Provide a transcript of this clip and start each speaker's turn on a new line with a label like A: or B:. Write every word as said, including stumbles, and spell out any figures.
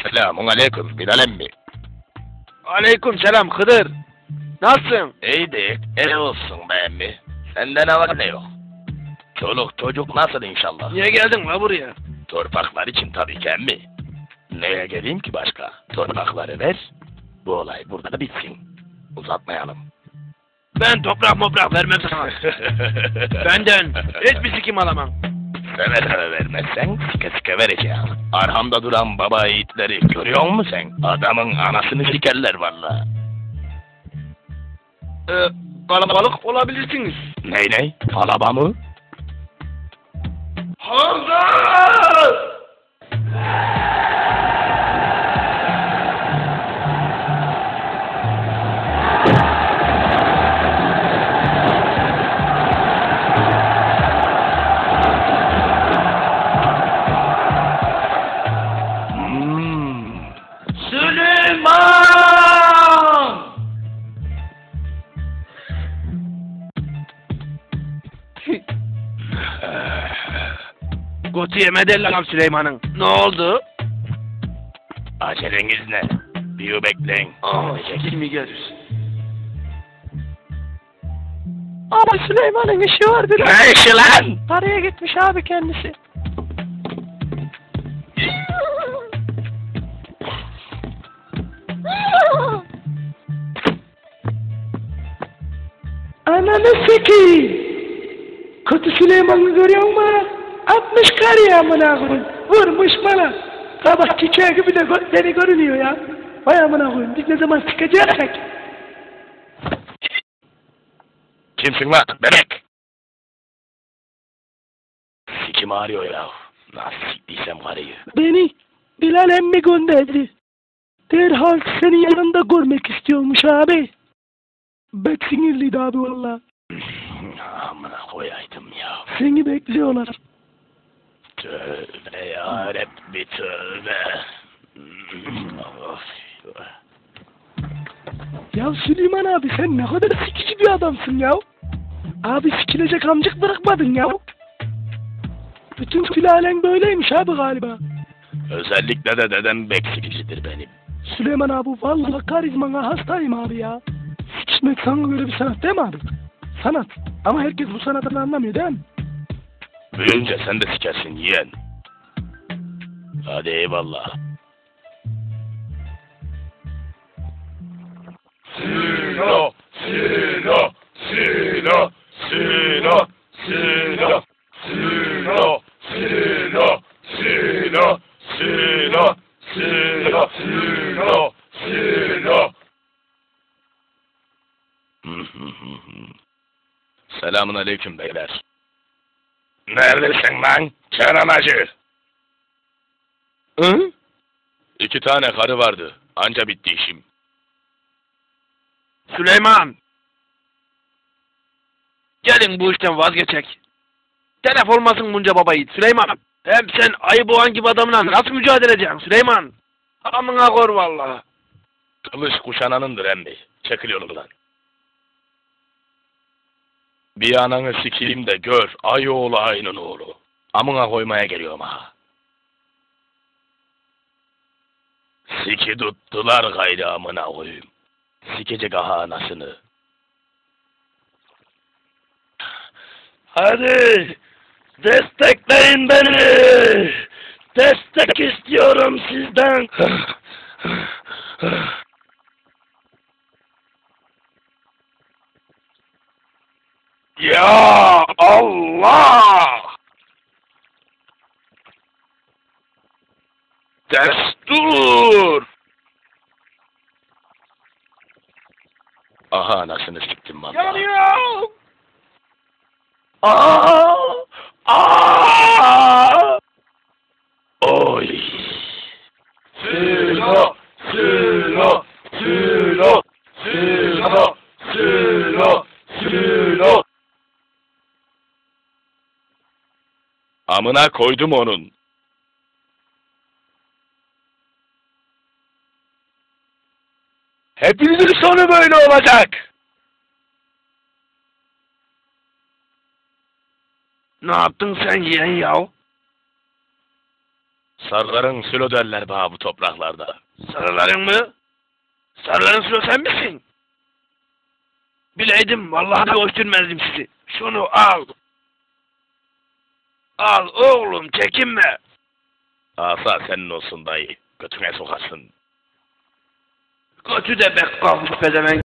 A: Selamun aleyküm Bilal emmi.
B: Aleyküm selam Hıdır. Nasılsın?
A: İyidir, iyi olsun be emmi. Sende ne var ne yok? Çoluk çocuk nasıl inşallah?
B: Niye geldin la buraya?
A: Torpaklar için tabii ki emmi. Neye geleyim ki başka? Torpakları ver, bu olay burada da bitsin. Uzatmayalım.
B: Ben toprak moprak vermem sana. Benden hiçbir sikim alamam.
A: Seve seve vermezsen sike sike vereceğim. Arhamda duran baba yiğitleri görüyor musun sen? Adamın anasını sikerler valla.
B: Ee, kalabalık olabilirsiniz.
A: Ney ney? Kalaba mı?
B: Hamza!
A: Hmm.
B: Süleyman! Gotu yemedi lan Süleyman'ın. Ne oldu?
A: Aceleniz ne? Bir bekleyin.
B: Aa, kimi gelir?
C: Ama Süleyman'ın işi var biraz.
A: Ne işi lan?
C: Paraya gitmiş abi kendisi. Ananı sikeyim. Kötü Süleyman'ı görüyor musun? Atmış kar ya amına koyayım. Vurmuş bana. Kabak çiçeği gibi de gözleri görünüyor ya. Vay amına koyayım. Biz ne zaman çıkacaksak?
A: Kimsin lan bebek? Sikim ağrıyor ya. Nasıl siktiysem karıyı.
C: Beni Bilal emmi gönderdi. Derhal senin yanında görmek istiyormuş abi. Bek sinirliydi abi valla.
A: Amına koyaydım ya.
C: Seni bekliyorlar.
A: Tövbe yarabbi tövbe. Of.
C: Ya Süleyman abi sen ne kadar sikici bir adamsın ya. Abi sikilecek amcık bırakmadın ya. Bütün sülalen böyleymiş abi galiba.
A: Özellikle de dedem beksikicidir benim.
C: Süleyman abi vallahi karizmana hastayım abi ya. Sikişmek sana göre bir sanat değil mi abi? Sanat. Ama herkes bu sanatını anlamıyor değil mi?
A: Büyünce sen de sikersin yeğen. Hadi eyvallah. Silo, silo, silo, silo, silo, silo, silo, silo, silo, silo, silo, silo. Selamun aleyküm beyler. Neredesin lan? Çaramacı.
C: Hı?
A: İki tane karı vardı. Anca bitti işim.
B: Süleyman! Gelin bu işten vazgeçek. Telef olmasın bunca baba yiğit Süleyman. Hem sen ayı boğan gibi adamla nasıl mücadele edeceksin Süleyman? Amına kor vallahi.
A: Kılıç kuşananındır emmi. Çekil yolundan. Bir ananı sikeyim de gör. Ay oğlu ayının oğlu. Amına koymaya geliyorum ha. Siki tuttular gayrı amına koyayım. Sikecek aha anasını. Hadi destekleyin beni. Destek istiyorum sizden. Ya Allah! Destur! Aha anasını siktim valla.
B: Yanıyor!
A: Aa! Aa! Oy! Silo! Silo! Silo! Silo! Silo! Silo! Amına koydum onun. Hepinizin sonu böyle olacak.
B: Ne yaptın sen yeğen yav?
A: Sarıların sülo derler bana bu topraklarda.
B: Sarıların mı? Sarıların sülo sen misin? Bileydim vallahi göstermezdim sizi. Şunu al. Al oğlum çekinme.
A: Asa senin olsun dayı. Götüne sokasın.
B: Götü de bek kalmış pezevenk.